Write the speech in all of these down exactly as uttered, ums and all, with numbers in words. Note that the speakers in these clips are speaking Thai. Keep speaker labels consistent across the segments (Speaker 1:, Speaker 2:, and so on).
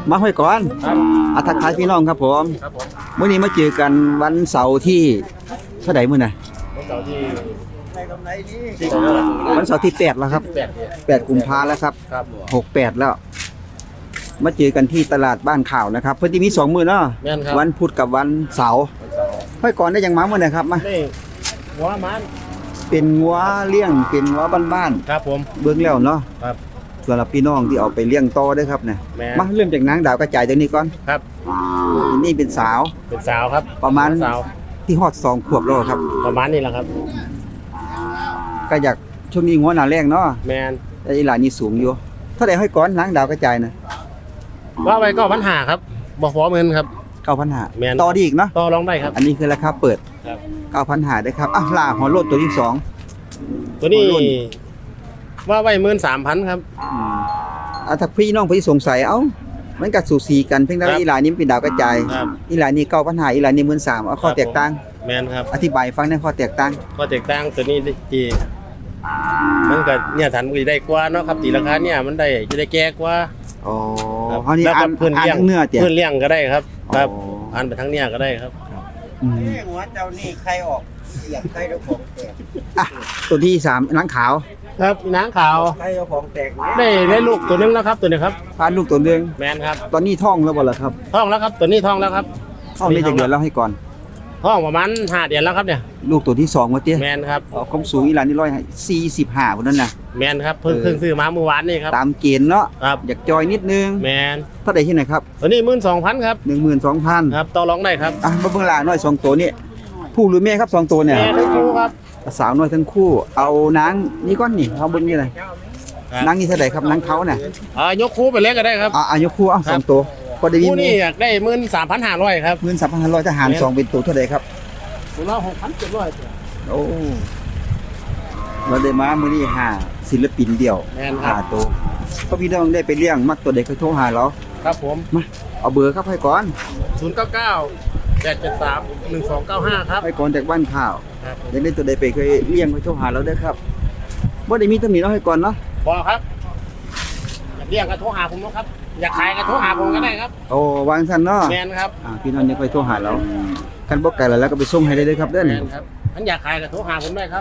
Speaker 1: มาห้อยก่อน
Speaker 2: ครับ
Speaker 1: อาทักทายพี่น้องครับผม
Speaker 2: ครับผม
Speaker 1: มื้อนี้มาเจอกันวันเสาร์ที่เท่าไหร่มื้อน่ะ
Speaker 2: วันเสาร์ที่ที่
Speaker 1: วันเสาร์ที่แปดแล้วครับ
Speaker 2: แปดเนี่ย
Speaker 1: แปดกุมภาแล้วครับ
Speaker 2: ครับ
Speaker 1: หกแปดแล้ว มาเจอกันที่ตลาดบ้านข่าวนะครับเพิ่นสิมีสองมื้อเนาะ
Speaker 2: แม่นครับ
Speaker 1: วันพุธกับวันเสาร์
Speaker 2: วันเสาร์
Speaker 1: ห้อยก่อนได้ยังมามื้อไหนครับมา
Speaker 2: นี่หัวมัน
Speaker 1: เป็นงัวเลี้ยงเป็นงัวบ้าน
Speaker 2: ครับผม
Speaker 1: ๆเบิ่งแล้วเนาะ
Speaker 2: ครับ
Speaker 1: สำหรับพี่น้องที่เอาไปเลี้ยงต่อเด้อครับเนี่ย
Speaker 2: แม่
Speaker 1: มาเริ่มจากนางดาวกระจายตัวนี้ก่อน
Speaker 2: ครับ
Speaker 1: อันนี้เป็นสาว
Speaker 2: เป็นสาวครับ
Speaker 1: ประมาณ
Speaker 2: สาว
Speaker 1: ที่ฮอดสองขวบแล้วครับ
Speaker 2: ประมาณนี้แหละครับ
Speaker 1: ก็อยากช่วงนี้งัวหน้าแรงเนาะ
Speaker 2: แมน
Speaker 1: แต่อีหลานนี่สูงอยู่เท่าใดห้อยก้อนนางดาวกระจายนะ
Speaker 2: ว่าไปก็ปัญหาครับบอกพร้อมเงินครับ
Speaker 1: เก้าพันห้า
Speaker 2: แม่น
Speaker 1: ต่อดีอีกเนาะ
Speaker 2: ต่อรองได้ครับ
Speaker 1: อันนี้คือราคาเปิด
Speaker 2: ครับ
Speaker 1: เก้าพันห้าได้ครับอ่ะลาหัวโลดตัวที่สอง
Speaker 2: ตัวนี้
Speaker 1: หัวรุ่น
Speaker 2: ว่าไว้หมื่นสามพันครับ
Speaker 1: อืมอ่ะถ้าพี่น้องพี่สงสัยเอ้ามันก็สูสีกันเพียงแต่
Speaker 2: ครั
Speaker 1: ว่า
Speaker 2: บ
Speaker 1: อีหลานนี่มันเป็นดาวกระจาย
Speaker 2: ครับ
Speaker 1: อีหลานนี่เก้าพันห้าอีหลานนี่หมื่นสามเอาข้อแตกต่าง
Speaker 2: แมนครับ
Speaker 1: อธิบายฟังในข้อแตกต่าง
Speaker 2: ก็แตกต่างตัวนี้จีมันก็เนี่ยฐานมันก็ได้กว่าเนาะครับตีราคาเนี่ยมันได้จะได้แก่กว่า
Speaker 1: อ๋อ
Speaker 2: ครับ
Speaker 1: เขานี่
Speaker 2: แล้ว
Speaker 1: อ่า
Speaker 2: ก็
Speaker 1: น
Speaker 2: เพื่อน
Speaker 1: อ่าน
Speaker 2: เลี้ยง
Speaker 1: ทั้งเนื้อเตี่ย
Speaker 2: เพื่อนเลี้ยงก็ได้ครับครับ
Speaker 1: อ๋อ
Speaker 2: อ่านไปทั้งเนี่ยก็ได้ครับ
Speaker 1: อืม
Speaker 3: หัวเจ้านี่ใครออกเสียงใครเจ้าของแตก
Speaker 1: อ่ะตัวที่สามนางขาว
Speaker 2: ครับนางขาว
Speaker 3: ใครเจ้าของแตก
Speaker 2: ได้ได้ลูกตัวหนึงแล้วครับตัวนี้ครับ
Speaker 1: พานลูกตัวหนึง
Speaker 2: แมนครับ
Speaker 1: ตอนนี้ท้องแล้วบ่ล่ะครับ
Speaker 2: ท้องแล้วครับตัวนี้ท้องแล้วครับ
Speaker 1: ท้องได้จากเดือนแล้วให้ก่อน
Speaker 2: ท้องประมาณห้าเดือนแล้วครับเนี่ย
Speaker 1: ลูกตัวที่สองว่าเตี้ย
Speaker 2: แมนครับ
Speaker 1: อ๋อความสูงอีหลานนี่ร้อยสี่สิบห้าคนนั้นนะ
Speaker 2: แมนครับเพิ่ง
Speaker 1: เออ
Speaker 2: เพิ่งซื้อมาเมื่อวานนี่ครับ
Speaker 1: ตามเกณฑ์เนาะ
Speaker 2: ครับ
Speaker 1: อยากจอยนิดนึง
Speaker 2: แมน
Speaker 1: เท่าไหร่ที่ไหนครับ
Speaker 2: ตัวนี้หมื่นสองพันครับ
Speaker 1: หนึ่งหมื่นสองพัน
Speaker 2: ครับต่อรองได้ครับ
Speaker 1: อ่ะมาเบิ่งหลานน้อยสองตัวนี่ผู้หรือแม่ครับสองตัวเนี่ย
Speaker 2: แมนทั้งคู่ครับ
Speaker 1: สาวน้อยทั้งคู่ เอานางนี่ก้อนนี่เอาเบิ่งนี่เลย
Speaker 2: ครับ
Speaker 1: นางนี่เท่าไหร่ครับนางเขาเนี่ย
Speaker 2: อ่ายกคู่ไปเล็กก็ได้ครับ
Speaker 1: อ่ะอายุคู่เอาสองตัวพอได้ยิน
Speaker 2: คู่นี่อยากได้หมื่นสามพันห้าร้อยครับ
Speaker 1: เงินสามพันห้าร้อยทหารสองเป็นตัวเท่าไหร่ครับ
Speaker 2: ตัวละหกพันเจ็ดร้อย
Speaker 1: โอ้เราได้มามื้อนี้หาศิลปินเดี่ยว
Speaker 2: แมนค
Speaker 1: หา
Speaker 2: รับ
Speaker 1: ตัวเพราะพี่น้องได้ไปเลี้ยงมักตัวเด็กเขาโทรหาเรา
Speaker 2: ครับผม
Speaker 1: มาเอาเบอร์ครับให้ก่อน
Speaker 2: ศูนย์เก้าเก้าแปดเจ็ดสามหนึ่งสองเก้าห้าครับ
Speaker 1: ให้ก่อนจากบ้านข่าว
Speaker 2: ครับผม
Speaker 1: อยากได้ตัวใดไปเคยเลี้ยงเขาโทรหาเราได้อครับบ่ได้มีตำหนิเนาะให้ก่อนเนาะ
Speaker 2: บอกครับอยากเรียกก็โทรหาผมนะครับ อยากขายก็โทรหาผมก็ได้ครับ
Speaker 1: โอ้วางซั่นเนาะ
Speaker 2: แมนครับ
Speaker 1: อ่าพี่น้องยังค่อยโทรหาเรากันบ่ไกลแล้วแล้วก็ไปส่งให้ได้เลยครับเด้อ
Speaker 2: แม
Speaker 1: นี่
Speaker 2: นครับท่านอยากขายก็โทรหาผมได้ครับ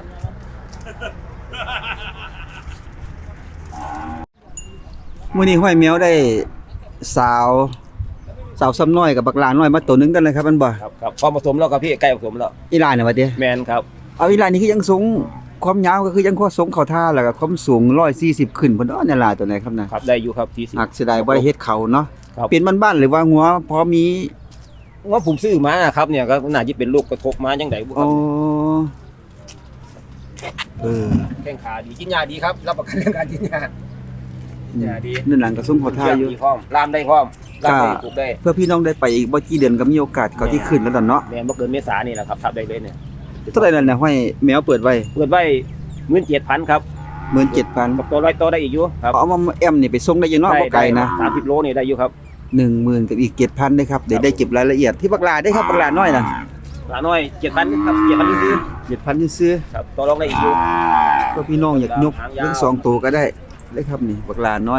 Speaker 1: มื้อนี้ห้อยแมวได้สาวสาวซ้ำน้อยกับบักหลาน้อยมาตัวหนึงกันเลยครับมันบ่
Speaker 4: ครับครับพอผสมแล้วครับพี่ใกล้ผสมแล้ว
Speaker 1: อีหลานน่ะว่าติ
Speaker 4: แมนครับ
Speaker 1: เอาอีหลานนี่คือยังสูงความยาวก็คือยังข้อสูงเข้าท่าแล้วก็ความสูงหนึ่งร้อยสี่สิบขึ้นพุ่นเนาะเนี่ยหลานตัวไหนครับนะครับ
Speaker 4: ได้อยู่ครับที่สิบ
Speaker 1: หักเสียดายบ่ได้เฮ็ดเขาเนาะ
Speaker 4: ครับ
Speaker 1: เป็นบ้านๆหรือว่าหัวพอมี
Speaker 4: ว่าผมซื้อมาครับเนี่ยก็น่าจะเป็นลูกกระทบมาจังไดบุค
Speaker 1: อ๋
Speaker 4: รั
Speaker 1: อบ เออ
Speaker 4: แข้งขาดีกินยาดีครับรับประกันเรื่องการกินยา ยาดี
Speaker 1: นั่นหลังก็สูงเข้าท่าอยู่
Speaker 4: ดีพร้อมลามได้พร้อมลามได้ปลูกได้
Speaker 1: เพื่อพี่น้องได้ไปอีกบ่กี่เดือนก็มีโอกาสเขาที่ขึ้นแล้วดอนเนาะ
Speaker 4: แมนบ่เกินเมษานี่แหละครับทับได้เลยเนี่ย
Speaker 1: เท่าไหร่นั่นน่ะห้อยแมวเปิดไว้
Speaker 4: เปิดไว้หมื่นเจ็ดพันครับ
Speaker 1: หมื่นเจ็ดพัน
Speaker 4: กับตัวร้อยตัวได้อีกอยู่ครับ
Speaker 1: เอามาแอมนี่ไปส่งได้อยังเนาะบ่ไกลนะ
Speaker 4: สามสิบโลนี่ได้อยู่ครับ
Speaker 1: หนึ่งหมื่นกับอีกเจ็ดพันได้ครับเดี๋ยวได้เก็บรายละเอียดที่บักหลาได้ครับบักหลาน้อยน่ะ
Speaker 4: หลาน้อยเจ็ดพันครับเจ็ดพันซื้อ
Speaker 1: เจ็ดพันซื้อ
Speaker 4: ครับตัวรองได้อีกอยู่
Speaker 1: ก็พี่น้องอยากยก
Speaker 4: หางยาว
Speaker 1: เรื่องสองตัวก็ได้ได้ครับนี่บักหลาน้อย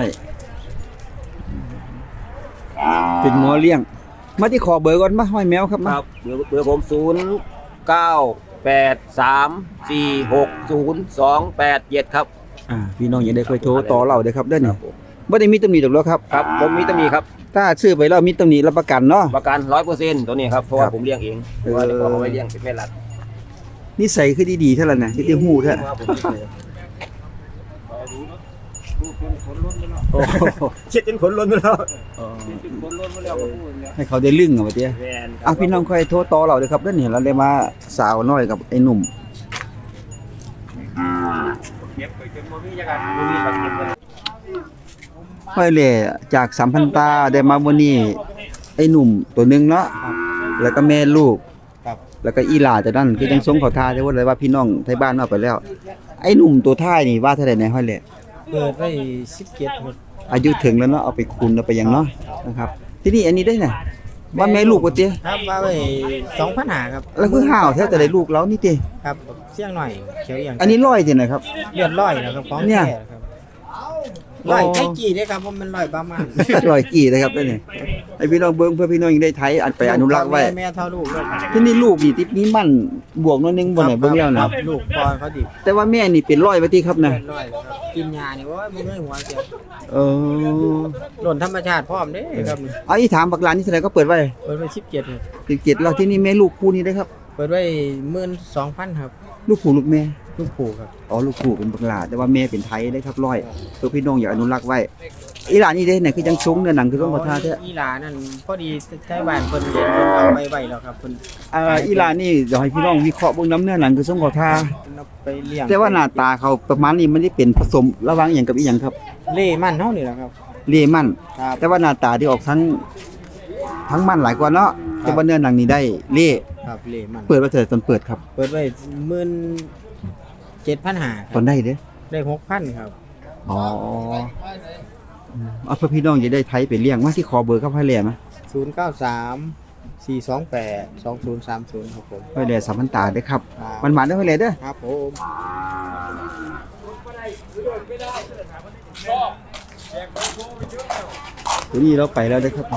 Speaker 1: เป็นหมอเลี้ยง มาที่ขอเบอร์ก่อนมาห้อยแมวครับ
Speaker 4: ค
Speaker 1: มา
Speaker 4: รับเบอร์เบอร์ผมศูนย์เก้าแปดสามสี่หกศูนย์สองแปดเจ็ดครับ
Speaker 1: อ่าพี่น้องอย่าได้ค่อยโทรต่อเราเด้อครับเด้อ
Speaker 4: ค
Speaker 1: นี่
Speaker 4: รับผม
Speaker 1: บ่ได้มีตำหนิดอกแล้วครับ
Speaker 4: ครับผมมีตำหนิครับ
Speaker 1: ถ้าซื้อไปแล้วมีตำหนิรับประกันเนาะ
Speaker 4: ประกันร้อยเปอร์เซ็นต์ตัวนี้ครับเพราะว่า
Speaker 1: ครับ
Speaker 4: ผมเลี้ยงเองเพราะว่าเดี๋ยวเขาไม่เลี้ยงเป็นแม่รัด
Speaker 1: นิสัยคือดีๆเท่านั้นน่ะที่ได้ฮู้แท้
Speaker 4: ว่าผมเลี้ยงเลย
Speaker 1: โอ้โห
Speaker 4: เช็ดจนขนล้นไปแล้ว
Speaker 1: ให้เขาได้ลึ่งเอาไปเด้อ
Speaker 4: แม่น
Speaker 1: อ่ะพี่น้องค่อยโทรต่อเราเด้อครับเด้อนี่เราได้มาสาวน้อยกับไอ้หนุ่ม
Speaker 4: เก็บไปจนบ่มีจังกันบ่มีเขาเก็บเลย
Speaker 1: ห้อยแหล่จากสัมพันตาได้มามื้อนี้ไอ้หนุ่มตัวหนึงเนาะแล้วก็แม่ลูก
Speaker 3: ครับ
Speaker 1: แล้วก็อีหลาแต่นั่นคือยังสงเขาทาได้ว่าเลยว่าพี่น้องไทบ้านเอาไปแล้ว ไอ้หนุ่มตัวท้ายนี่ว่าเท่าไหร่ในห้อยแหล่
Speaker 3: เปิดไว้สิบเจ็ดหมด
Speaker 1: อายุถึงแล้วเนาะเอาไปคูณเอาไปหยังเนาะนะครับ ที่นี่อันนี้ได้น่ะว่าแม่ลูกบ่ติ
Speaker 3: ครับว่าไว้สองพันหาครับ
Speaker 1: แล้วคือห่าวแท้แต่ได้ลูกแล้วนี่ติ
Speaker 3: ครับเสี่ยงหน่อยเขียวอย่าง
Speaker 1: อันนี้ร้อยตินะครับ
Speaker 3: เลือดร้อยนะครับของ
Speaker 1: เนี่ย
Speaker 3: แท้ครับร้อยไก่กี่ได้ครับผมมันร้อยประมาณ
Speaker 1: ร้อยกี่นะครับนั่นนี่ไอ้พี่น้องเบิ่งเพื่อพี่น้องยังได้ไทยอันไปอนุรักษ์ไว้
Speaker 3: แม่เท่าลูกเลย
Speaker 1: ที่นี่ลูกนี่ติดนี้มั่นบวกน้อยนึงบ่ไหนเบิ่งแล้ว
Speaker 3: ค
Speaker 1: นะ
Speaker 3: รับลูกปอนเขาดิ
Speaker 1: แต่ว่าแม่นี่เป็นร้อยว่าติครับนะ
Speaker 3: เป็นร้อยแล้วครับกินยานี่ว่ามึงไม่หัวเสีย
Speaker 1: เออ
Speaker 3: หล่นธรรมชาติพร้อมเด้ครับ
Speaker 1: เอาอีถามบักหลานนี่เท่าไหร่ก็เปิดไว้
Speaker 3: เปิดไว้สิบเจ็ดครับ
Speaker 1: สิบเจ็ดแล้วที่นี่แม่ลูกคู่นี้ได้ครับ
Speaker 3: เปิดไว้หมื่นสองพันครับ
Speaker 1: ลูกผู้ลูกแม่
Speaker 3: ลูกผูครับ
Speaker 1: อ๋อลูกผู้เป็นบักหลาแต่ว่าแม่เป็นไทยได้ครับร้อยเพื่อพี่น้องอยากอนุรักษ์ไว้อีหลานนี่เด้ไหนคือจังซุ้งเนื้อหนังคือต้องขอท่าแท้
Speaker 3: อีหลานั่นพอดีใช้บ้านเพิ่นเรียนเพิ่นเอาไว้ไว้แล้วครับเพิ่น
Speaker 1: อ่าอีหลานนี่เดี๋ยวให้พี่น้องวิเคราะห์เบิ่งน้ำเนื้อหนังคือต้องขอท่า
Speaker 3: เพิ่นเอาไปเลี้ยง
Speaker 1: แต่ว่าหน้าตาเขาประมาณนี้มันได้เป็นผสมระหว่างอหย่างกับอีหยังครับ
Speaker 3: เล่มันเฮานี่แหละครับ
Speaker 1: เลมั่น
Speaker 3: ครับ
Speaker 1: แต่ว่าหน้าตาที่ออกทั้งทั้งมันหลายกว่าเนาะแต่ว่าเนื้อหนังนี่ได้เล่
Speaker 3: ครับเล่มัน
Speaker 1: เปิดว่าเถิดตอนเปิดครับ
Speaker 3: เปิดไว้หมื่นเจ็ดพันห้าค
Speaker 1: ต
Speaker 3: รั
Speaker 1: อบ นได้เด้อ
Speaker 3: ได้หกพันครับ
Speaker 1: อ๋ออืมเอาเพื่อพี่น้องจะได้ไทยไปเลี้ยงมาที่คอเบอร์ครับให้แหล่มา
Speaker 3: ศูนย์เก้าสามสี่สองแปดสองศูนย์สามศูนย์ครับผม
Speaker 1: ให้แหล่สามพันตาได้อครับ
Speaker 3: ครับ
Speaker 1: มันหวานได้อให้แหล่เด้อ
Speaker 3: ครับผม
Speaker 1: ตัวนี้เราไปแล้วได้อครับ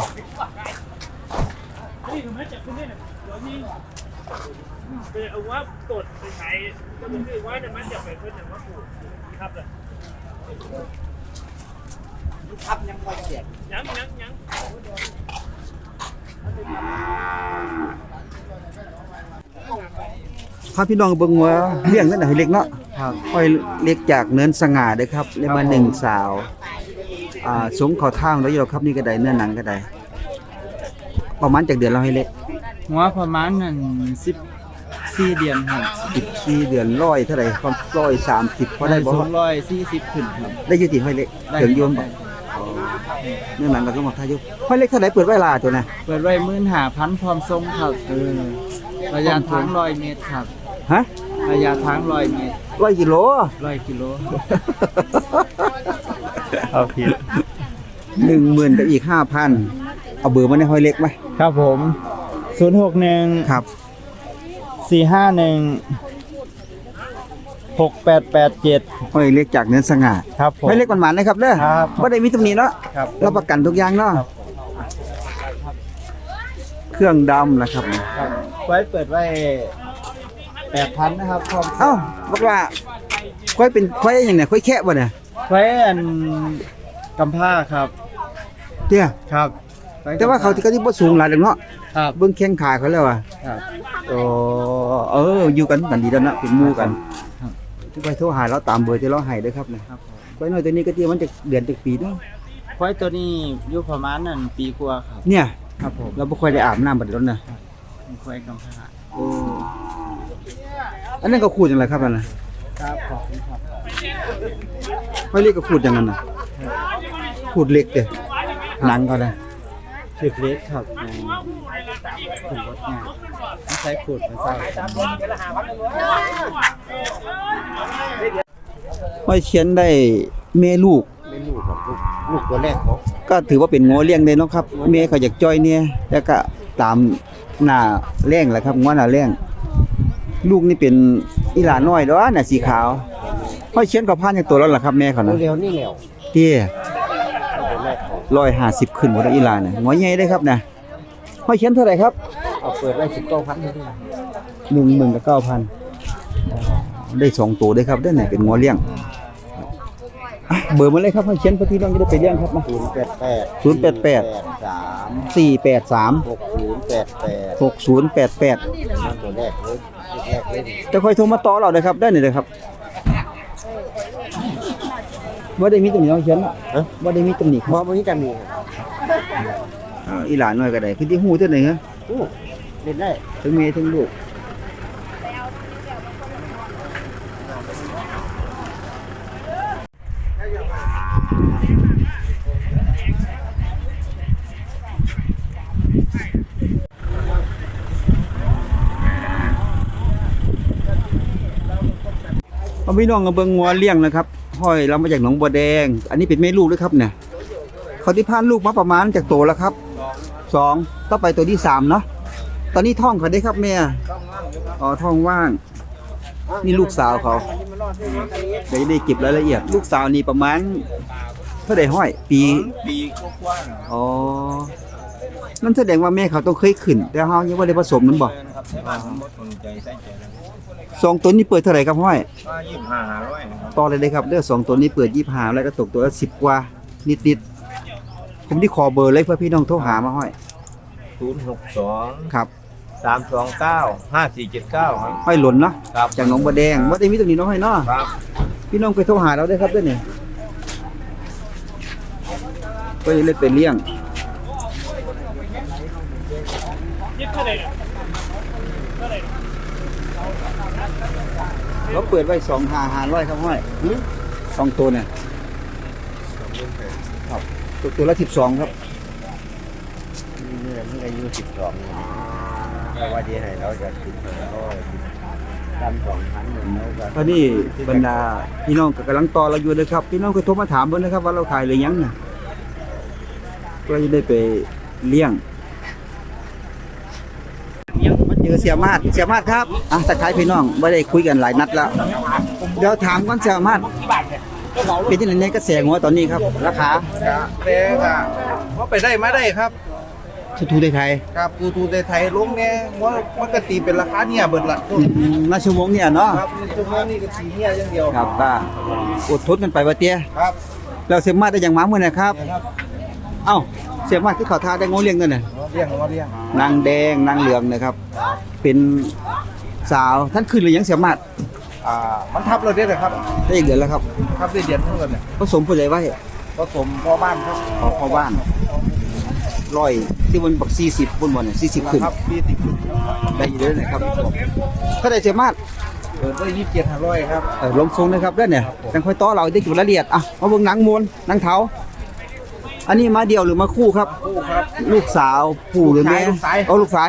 Speaker 5: เอาว่าตดไปใช้ก็คือว่าจะมันจะไปเพื่อนว่าปลูกครับเลย
Speaker 3: ครับยังบ่เสีย
Speaker 5: ยังยังยัง
Speaker 1: พาพี่น้องเบิ่งว่าเลี้ยงนั่นน่ะให้เล็กเนาะ
Speaker 3: ครับ
Speaker 1: ค่อยเล็กจากเนินสง่าเด้อครับแล้วมาหนึ่งสาวอ่าสงเขาทางแล้วอยู่ครับนี่ก็ได้เนื้อหนังก็ได้ประมาณจากเดือนเราให้เล็ก
Speaker 6: หัวประมาณนั้นสิบสี่เดือนครับ
Speaker 1: สิบสี่เดือนร้อยเท่าไหร่ความร้อยสามสิบพอได้บ่
Speaker 6: สองร้อยสี่สิบขึ้นครับ
Speaker 1: ได้อยู่ที่ห้อยเล็ก
Speaker 6: ได้
Speaker 1: ถึงโยมบ่เนื้อหนังก็ต้องมาทายุห้อยเล็กเท่าไหร่เปิดไว้ลาตัวน่ะ
Speaker 6: เปิดไว้หมื่นห้าพันพร้อมทรงครับเออระยะทางร้อยเมตรครับ
Speaker 1: ฮะ
Speaker 6: ระยะทางร้อยเมตร
Speaker 1: ร้อยกิโล
Speaker 6: ร้อยกิโล
Speaker 1: เอาผิดหนึ่งหมื่นกับอีกห้าพันเอาเบอร์มาในห้อยเล็กไหม
Speaker 6: ครับผมศูนย์หกหนึ่ง
Speaker 1: ครับ
Speaker 6: สี่ห้าหนึ่งหกแปดแปดเจ็ด
Speaker 1: ห้อยเล็กจากเนินสง่า
Speaker 6: ครับผม
Speaker 1: ห้อยเล็กหวานๆนะครับเด้อ
Speaker 6: ครับ
Speaker 1: บ่ได้มีตำหนิเนาะ
Speaker 6: ครับ
Speaker 1: รับประกันทุกอย่างเนาะเครื่องดำนะครับ
Speaker 6: ครับไว้เปิดไว้แปดพันนะครับพร้อม
Speaker 1: เอ้าบอกว่าค่อยเป็นค่อยอย่างไหนค่อยแค่บ่เนี่ย
Speaker 6: ไว้อันกำผ้าครับ
Speaker 1: เตี้ย
Speaker 6: ครับไกำผ้
Speaker 1: แต่ว่าเขาที่เขาที่บ่สูงหลายดอกเนาะ
Speaker 6: ครับ
Speaker 1: เบิ่งแข้งขาเขาแล้วอ่ะ
Speaker 6: ครับ
Speaker 1: โอ้เอออยู่กันกันดีแล้วนะเป็นหมู่กัน
Speaker 6: ครับ
Speaker 1: ทุกไปโทรหาเราตามเบอร์ที่เราให้เด้อครับนะครับ
Speaker 6: ผม
Speaker 1: ไว้หน่อยตัวนี้ก็เตรียมมันจะเดือนจะปีเนาะ
Speaker 6: ไว้ตัวนี้อยู่ประมาณนั้นปีกว่าครับ
Speaker 1: เนี่ย
Speaker 6: ครับผม
Speaker 1: เราบ่ค่อยได้อาบน้ำบัดนั้นนะ
Speaker 6: ไว้กำผ้า
Speaker 1: เอออันนั้นก็ขูดจังไรครับนั่นน่ะ
Speaker 6: ครับขอบคุณครับ
Speaker 1: ค่อยเรียกก็ขูดอย่างนั้นน่ะขูดเหล็กเด้หนังเขาน่ะ
Speaker 6: ถึกเล็กครับในผลรถงานไม่ใช้ขูดไม่ใช่ครับ
Speaker 1: ห้อยเขียนได้แม่ลูก
Speaker 3: เป็นลูกครับลูกลูกตัวแรกเขา
Speaker 1: ก็ถือว่าเป็นงัวเลี้ยงได้เนาะครับแม่เขาอยากจ้อยเนี่ยแล้วก็ตามหน้าแรงแหละครับงัวหน้าแรงลูกนี่เป็นอีหลาน้อยเด้อน่ะสีขาวห้อยเขียนก็ผ่านอย่างตัวแล้วล่ะครับแม่เขาน่ะ
Speaker 3: เร็วนี่แล้ว
Speaker 1: เตี้ย
Speaker 3: ตัวแรกเขา
Speaker 1: ร้อยห้าสิบขึ้นหมดแล้วอีหลาน่ะงัวใหญ่ได้ครับนะห้อยเขียนเท่าไหร่ครับ
Speaker 3: เอาเปิดไว้สิบเก้าพันเลย
Speaker 1: หนึ่งหมื่นกับเก้าพันได้สองตัวได้ครับได้ไหนเป็นงัวเลี้ยงอ่ะเบอร์มาเลยครับให้เขียนเพื่อพี่น้องจะได้ไปเลี้ยงครับมา
Speaker 3: ศูนย์แปดแปด
Speaker 1: ศูนย์แปดแปด
Speaker 3: สาม
Speaker 1: สี่แปดสาม
Speaker 3: หกศูนย์แปดแปด
Speaker 1: หกศูนย์แปดแปด
Speaker 3: นั่นตัวแรกเลยตัวแรกเลย
Speaker 1: จะค่อยโทรมาต่อเราเลยครับได้หน่อยเลยครับว่าได้มีตำหนิน้องเขียนอ่ะว่าได้มีตำหนิค
Speaker 3: พ
Speaker 1: รั
Speaker 3: อบ วันนี้กันมี
Speaker 1: อ่าอีหลานน้อยก็ได้คือที่หูเท่าไหร่ฮะ
Speaker 3: อู้เล่นได้
Speaker 1: ทั้งเมียทั้งลูกเอาพี่น้องกับเบิงงัวเลี้ยงนะครับห้อยเรามาจากหนองบัวแดง อันนี้เป็นแม่ลูกด้วยครับเนี่ยเขาที่พานลูกมาประมาณจากโตแล้วครับสองต่อไปตัวที่สามเนาะตอนนี้ท้องเขาได้ครับแม่อ๋อท้องว่าง นี่ลูกสาวเขาเดี๋ยวจะได้เก็บรายละเอียด ลูกสาวนี่ประมาณเท่าใดห้อย ปี
Speaker 3: ปีกว้าง
Speaker 1: อ๋อนั่นแสดงว่าแม่เขาต้องเคยขึ้น แต่เฮายังบ่ได้ผสมมันบ่
Speaker 3: นะครับที่บ้านผมสนใจใส่ใจแล้ว
Speaker 1: สองตัวนี้เปิดเท่าไหร่ครับห้อย
Speaker 3: ก็ยี่สิบห้าห้าร้อยนะครับ
Speaker 1: ต่อเลยเลยครับเด้อสองตัวนี้เปิดยี่สิบห้าแล้วก็ตกตัวละสิบกว่านิดๆผมที่ขอเบอร์เลยเพื่อพี่น้องโทรหามาห้อย
Speaker 3: ศูนย์หกสอง
Speaker 1: ครับ
Speaker 3: สามสองเก้าห้าสี่เจ็ดเก้าครับ
Speaker 1: ห้อยหล่นเนาะ
Speaker 3: ครับ
Speaker 1: จากหนองบัวแดงบ่ได้มีตรงนี้เนาะห้อยเนาะ
Speaker 3: ครับ
Speaker 1: พี่น้องไปโทรหาเราได้ครับเด้อนี่ก็จะเล่นเป็นเลี้ยง
Speaker 5: ยิบเท่าไหร่เนี่ยเท่าไหร่
Speaker 1: เราเปิดไว้สองห้าห้าร้อยครับห้อยสองตัวเนี่ยครับตัวตัวละสิบสองครับ
Speaker 3: นี่มันอายุสิบสองแต่ว่าดีให้เราจะติดก็ทำสองครั้งหนึ่งแล้วก็
Speaker 1: ตอนนี้บรรดาพี่น้องก็กำลังต่อเราอยู่เลยครับพี่น้องก็โทรมาถามเพิ่นนะครับว่าเราขายหรือยังน่ะก็จะได้ไปเลี้ยงมาเจอเสียมาดเสียมาดครับอ่ะตะไคร้พี่น้องไม่ได้คุยกันหลายนัดแล้วเดี๋ยวถามก่อนเสียมาดเป็นยังไงในกระแสงัวตอนนี้ครับ ราคา
Speaker 3: แต่ก็ว่าไปได้มาได้ครับ
Speaker 1: ทูทูไทย
Speaker 3: ครับตูตูไทยลงเนี่ยว่ามันก็ตีเป็นราคาเนี่ยเบิดละ
Speaker 1: ๆอืมนาชั่วโมงเนี่ยเนาะ
Speaker 3: ครับชั่วโมงนี้ก็ตีเนี่ยอย่างเดียว
Speaker 1: ครับก็อดทนกันไปว่าเตี้ย
Speaker 3: ครับ
Speaker 1: แล้วเสียมาดได้อย่างหมาเมื่อนะครับ
Speaker 3: เนี่ยครับ
Speaker 1: เอ้าเสียมาดที่เขาทาได้งูเลี้ยงนั่นน่ะ
Speaker 3: มาเลี้ยงมาเลี้ยง
Speaker 1: นางแดงนางเหลืองนะครับ เป็นสาวท่านขึ้นหรือยังเสียมาด
Speaker 3: อ่ามันทับเราได้เลยครับ
Speaker 1: ได้อีกเดือนแล้วครับ
Speaker 3: ทับได้เดือนเท่ากันเนี่ย
Speaker 1: ผสมผู้ใดไว้
Speaker 3: ผสมพ่อบ้านครับ
Speaker 1: ขอเข้าบ้านร้อยที่มันบักสี่สิบบนบนเนี่ยสี่สิบขึ้น
Speaker 3: ครับปีติด
Speaker 1: ได้อยู่เลยนะครับถ้าได้เสียมาด
Speaker 3: เปิดได้ยี่สิบเจ็ดห้าร้อยครับ
Speaker 1: เออลงทรงนะครับเด้อเนี่ยจังค่อยต่อเราได้กี่รายละเอียดอ่ะมาเบิ่งหนังมวลหนังเท้าอันนี้มาเดียวหรือมาคู่ครับ
Speaker 3: คู่ครับ
Speaker 1: ลูกสาวผู้หรือแม่
Speaker 3: ลูกชาย
Speaker 1: เอาลูกสาย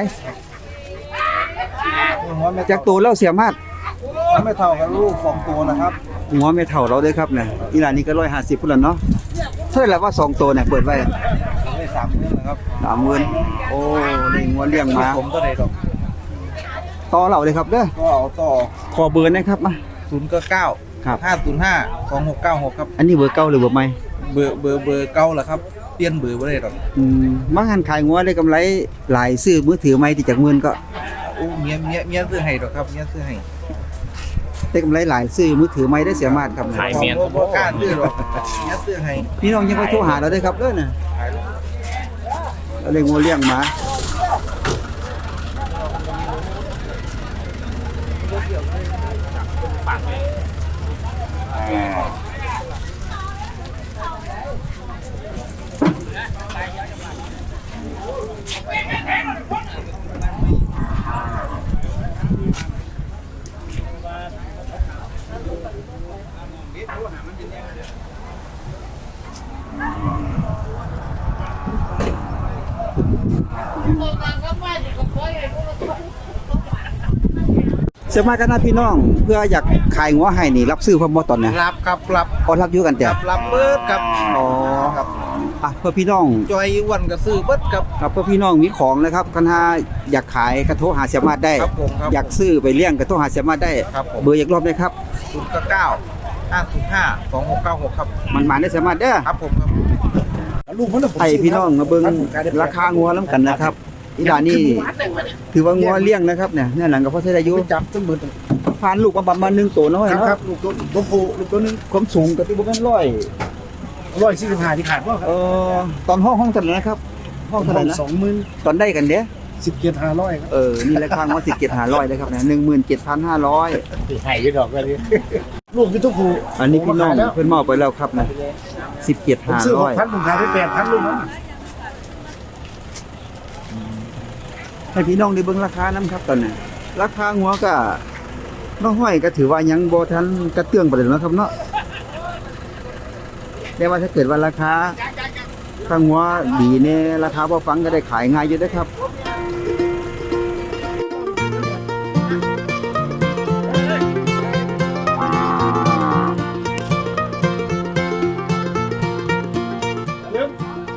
Speaker 3: หัวไม่
Speaker 1: จากตัวแล้วเสียมาด
Speaker 3: หัวไม่เท่ากับลูกของตัวนะครับ
Speaker 1: หัวไม่เท่าเราเลยครับเนี่ยอีหลานนี้ก็ร้อยห้าสิบพุ่นละเนาะเท่าไหร่แล้วว่าสองตัวเนี่ยเปิดไว้
Speaker 3: ได้สามเดือนนะครับ
Speaker 1: สามหมื่นโอ้นี่งัวเลี้ยงมา
Speaker 3: ผมตัวใดดอก
Speaker 1: ต่อเราเลยครับเด้อ
Speaker 3: ก็เอาต่อ
Speaker 1: ขอเบอร์นะครับมา
Speaker 3: ศูนย์เก้า
Speaker 1: ครับ
Speaker 3: ห้าศูนย์ห้าสองหกเก้าหกครับ
Speaker 1: อันนี้เบอร์เก่าหรือเบอร์ใหม่
Speaker 3: เบอร์เบอร์เบอร์เก้าเหรอครับเปลี่ยนเบอร์ไม่ได้หรอก
Speaker 1: อืมมาหันขายงัวได้กำไรหลายซื้อมือถือใหม่ที่จากหมื่นก็
Speaker 3: โอ้เมียเมียเมียซื้อให้หรอกครับเมียซื้อให้
Speaker 1: ได้กำไรหลายซื้อมือถือใหม่ได้เสียมากครับเนี่ย
Speaker 3: เมียบ่กล้าซื้อหรอกเมียซื้อให้
Speaker 1: พี่น้องยังไปโทรหาเราได้ครับเด้อน่ะเราเลยงัวเลี้ยงมาเสียมากกันนะพี่น้องเพื่ออยากขายงัวให้นี่รับซื้อพร้อมบ่ตอนเนี่ย
Speaker 3: รับครับรับ
Speaker 1: พอรับอยู่กันแต่
Speaker 3: รับรับเบิดครับ
Speaker 1: อ๋อ
Speaker 3: ครับ
Speaker 1: อ่ะเพื่อพี่น้อง
Speaker 3: จอยอ้วันก็ซื้อเบิดครับ
Speaker 1: ครับเพื่อพี่น้องมีของนะครับคันหาอยากขายกระโทรหาเสียมาดได้
Speaker 3: ครับผมครับ
Speaker 1: อยากซื้อไปเลี้ยงกระโทรหาเสียมาดได้
Speaker 3: ครับผม
Speaker 1: เบอร์อีกรอบได้ครับ
Speaker 3: ศูนย์เก้าห้าศูนย์ห้าสองหกเก้าหกครับ
Speaker 1: มันมาได้เสียมาดเด้อ
Speaker 3: ครับผมครับลูกมัน
Speaker 1: ไอพี่น้องมาเบิ่งราคางัวแล้วกันนะครับอีหลานนี่ถือว่างัวเลี้ยงนะครับเนี่ยเนี่ยหลังกับพ่อใช้อายุ
Speaker 3: จับต้นมือ
Speaker 1: ผ่านลูกมาประมาณหนึ่งตัวน้อย
Speaker 3: ครับ
Speaker 1: เนาะ
Speaker 3: ครับลูกตัวตัวผู้ลูกตัวนึง
Speaker 1: ความสูงกับที่บ่แม่นร้อย
Speaker 3: ร้อยสี่สิบห้าที่ขาดว่า
Speaker 1: เอ่อตอนห้องห้องเท่าไหร่นะครับ ห้องเท่าไหร่นะ
Speaker 3: สองหมื่น
Speaker 1: ตอนได้กันเด้อ
Speaker 3: สิบเจ็ดห้าร้อยครับ
Speaker 1: เออนี่ราคางัวสิบเจ็ดห้าร้อยนะครับเนี่ยหนึ่งหมื่นเจ็ดพันห้าร้อย
Speaker 3: หายยืดดอกกันดิลูกคือตัวผู้
Speaker 1: อันนี้พี่น้องเพิ่นมอบไปแล้วครับนะสิบเจ็ด
Speaker 3: ผม
Speaker 1: ห้า
Speaker 3: ซื้อห
Speaker 1: ร้อก ย
Speaker 3: พันผมขายไปแปดพันลูกนั้น
Speaker 1: ให้พี่น้องได้เบิ่งราคานํครับตอนนี้ราคางัวก็น้องห้อยก็ถือว่ายังบ่ทันกระเตื้องปานใดเนาะครับเนาะแต่ว่าถ้าเกิดว่าราคาถ้างัวดีเนี่ยราคาบ่ฟังก็ได้ขายง่ายอยู่เด้อครับ